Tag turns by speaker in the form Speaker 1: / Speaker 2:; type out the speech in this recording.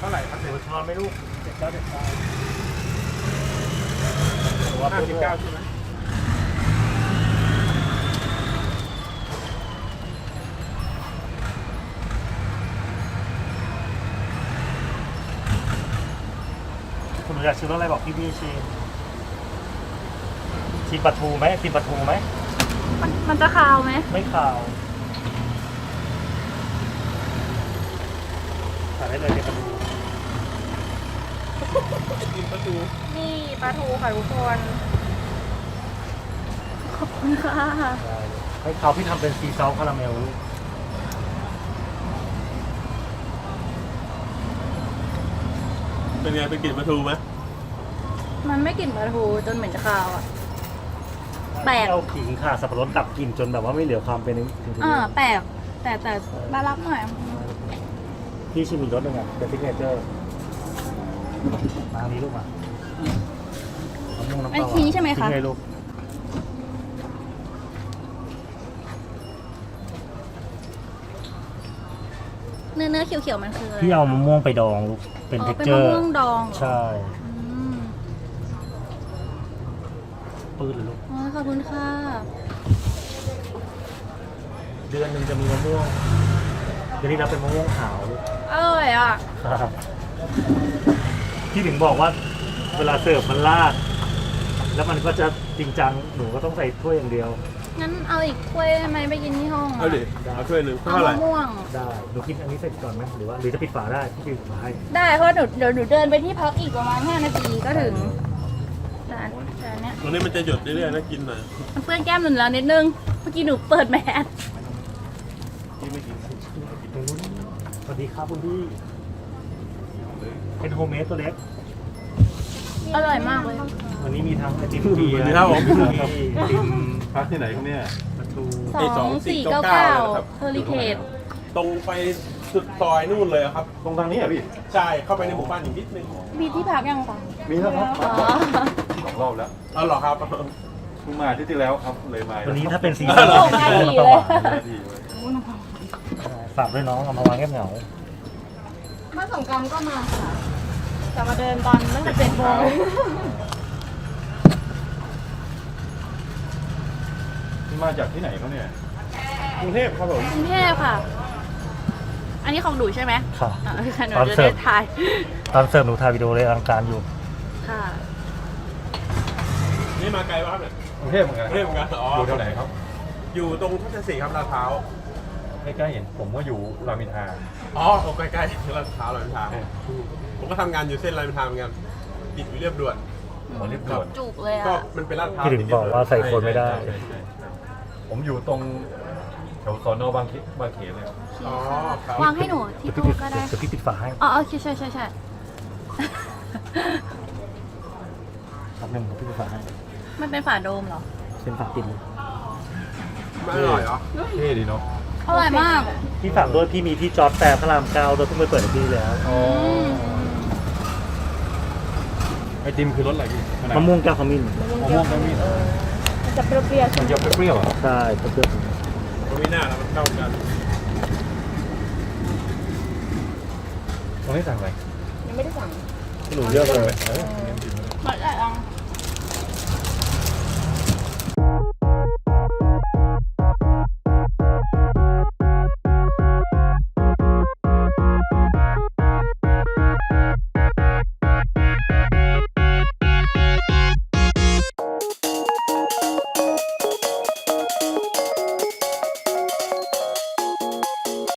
Speaker 1: ท่าไหร่ครับ
Speaker 2: หนูช้อนไม่ลูก79
Speaker 1: 59ใช่ไหม
Speaker 2: คุณหนูอยากชิมรสอะไรบอกพี่ชิมปลาทูไหมกินปลาทูไหม
Speaker 3: มันจะคาวไหม
Speaker 2: ไม่ขาวทานได้เลยเป็นปลาทู
Speaker 1: กินประตู
Speaker 3: นี่ปลาทูค่ะทุกคนขอบคุณค่ะ
Speaker 2: ได้เลยให้เขาพี่ทำเป็นซีซอสคาราเมลลูก
Speaker 1: เป็นไงเป็นกลิ่นประตูไหม
Speaker 3: มันไม่กลิ่นปลาทูจนเหม็นจะคาวอ่ะ แปลก
Speaker 2: เอาขิงข่าสับปะรดดับกลิ่นจนแบบว่าไม่เหลือความเป็นถึง
Speaker 3: แปลกแต่น่ารักหน่อย
Speaker 2: พี่ชิมอีกรสหนึ่งอ่ะเป็นซิกเนเจอร์มาทางนี้ลูกมาเอาม่วงน้ำ
Speaker 3: อัน
Speaker 2: เปล่า
Speaker 3: นี้ใช่ไหมคะ
Speaker 2: ทิ้งเลยลูก
Speaker 3: เนื้อเขียวๆมันคืออะไร
Speaker 2: พี่เอามะม่วงไปดองลูกเป็น
Speaker 3: อ๋อ
Speaker 2: เท็ก
Speaker 3: เป็น
Speaker 2: เจอ
Speaker 3: มะ
Speaker 2: ร์
Speaker 3: ม่วงดองเหรอ
Speaker 2: ใช่
Speaker 3: อืม
Speaker 2: ปื้ดเลยลูก
Speaker 3: อ๋อขอบคุณค่ะ
Speaker 2: เดือนหนึ่งจะมีมะม่วงเดือนนี้เราเป็นมะม่วงขาวลูก
Speaker 3: อร่อยอ่ะ
Speaker 2: ครับพี่ถึงบอกว่าเวลาเสิร์ฟมันลาด แล้วมันก็จะจริงจังหนูก็ต้องใส่ถ้วยอย่างเดียว
Speaker 3: งั้นเอาอีกถ้วยได้ไหมไปกินที่ห้องอะ
Speaker 1: เอาดิเอาถ้วยหนึ่ง
Speaker 3: เอา
Speaker 1: เท่าไหร่
Speaker 3: มะม่วง
Speaker 2: ได้หนูกินอันนี้เสร็จก่อนไหมหรือว่าหรือจะปิดฝาได้พี่ปิดฝาให้
Speaker 3: ได้เพราะเดี๋ยวหนูเดินไปที่พักอีกประมาณ5 นาทีก็ถึงแต่อันเนี้ย
Speaker 1: ตรงนี้มันจะหยดเรื่อยๆนะกินหน่อย
Speaker 3: มันเปื้อนแก้มหนูแล้วนิดนึง เมื่อกี้หนูเปิดแมส
Speaker 1: ที่ไม่กิน
Speaker 2: ตรงนู้นสวัสดีครับคุณพี่เป็นโฮมเมดตัวเล็ก
Speaker 3: อร่อยมากเลย
Speaker 2: วันนี้มีทั้งไอติมเกียร์
Speaker 1: ครับผม
Speaker 2: มีไอติม
Speaker 4: พักที่ไหนครับเนี่ย
Speaker 2: ปลาทู
Speaker 3: 2499
Speaker 1: นะครับ
Speaker 3: เฮอริเคน
Speaker 1: ตรงไปสุดซอยนู่นเลยครับ
Speaker 4: ตรงทางนี้อ่ะพี่
Speaker 1: ใช่เข้าไปในหมู่บ้านอีกนิดนึง
Speaker 3: มีที่พักยังคะ
Speaker 4: มีแล้วครับ
Speaker 3: อ๋อ
Speaker 4: สองรอบแล้ว
Speaker 1: อ๋อเหรอครับ
Speaker 4: เพิ่งมาอาที่แล้วครับ เลยมา
Speaker 2: วันนี้ถ้าเป็นซี
Speaker 1: อ๋
Speaker 2: ซั่น
Speaker 1: อ
Speaker 2: เป็นซีซั่นน้ำปลาหวาน
Speaker 4: ดีเลย
Speaker 2: ฝากด้วยน้องเอามาวางแก้มเหงา
Speaker 3: เมื่อสงกรานต์ก็มาค่ะแต่มาเดินตอนตั้งแต่7 โมง
Speaker 4: มาจากที่ไหนครับเนี่ย
Speaker 1: กรุงเทพครับผม
Speaker 3: กรุงเทพค่ะ อันนี้ของหนูใช่ไหม
Speaker 2: ค่ะ
Speaker 3: อ่ะหนู
Speaker 2: ตอน
Speaker 3: จะ
Speaker 2: เสิ
Speaker 3: ได้
Speaker 2: ร์ฟ
Speaker 3: ถ่าย
Speaker 2: ตอนเสิร์ฟหนูถ่ายวิดีโอเลยอลังการอยู่
Speaker 3: ค่ะ
Speaker 1: นี่มาไกลป่ะครับเนี่ย
Speaker 4: กรุงเทพเหมือนกัน
Speaker 1: กรุงเทพเหมือนกันอ๋อ
Speaker 4: อ
Speaker 1: อยู่
Speaker 4: แถวไหนครับ
Speaker 1: อยู่ตรงทัศน์4ครับลาดพร้าว
Speaker 4: ใกล้ๆเห็นผมก็อยู่รามอินทรา
Speaker 1: อ๋อใกล้ๆลาดพร้าวลาดพร้าวผมก็ทำงานอยู่เส้นรามอินทราเหมือนกันติดอยู่เรียบด่วน
Speaker 4: ผมรีบด่วน
Speaker 3: จุกเลย
Speaker 1: ก็
Speaker 3: อ่ะ
Speaker 1: มันเป็นลาดพร้าว
Speaker 2: พี่ถึงบอกว่าใส่คนไม่ได้
Speaker 4: ใช่ผมอยู่ตรงแถวสอนอบางเขนเลย
Speaker 1: อ๋อครับ
Speaker 3: วางให้หนูที่
Speaker 2: เดี๋ยว
Speaker 3: ตู้
Speaker 2: พี่
Speaker 3: ก็ได้
Speaker 2: เดี๋ยวพี่ปิดฝาให้
Speaker 3: อ๋อโอเคใช่
Speaker 2: ครับหนึ่งพี่ปิดฝาให้
Speaker 3: มันเป็นฝาโดมเหรอ
Speaker 2: เป็นฝาปิดเลย
Speaker 1: ไม่อร่อยเหรอ
Speaker 4: เท่ดีเนาะ
Speaker 3: อร่อยมาก
Speaker 2: พี่ฝากด้วยพี่มีที่จอร์จแฟร์พระราม9โดยเพิ่งไปเปิดให้พี่แล้ว
Speaker 4: ไอติมคือรสอะไรพี่
Speaker 2: มะม่วงแก้วขมิ้น
Speaker 4: มะม่วงขมิ้น
Speaker 3: มันจะเปรี้ยว
Speaker 4: มันจะเปรี้ยวๆอ่ะ
Speaker 2: ใช่เพื่อน
Speaker 1: มันไม่น่าแล้วมันเข้ากัน
Speaker 4: ตรงนี้สั่งอะไร
Speaker 3: ๆยังไม่ได้สั่ง
Speaker 4: หนูเลือกเลย
Speaker 3: หมดแล้ว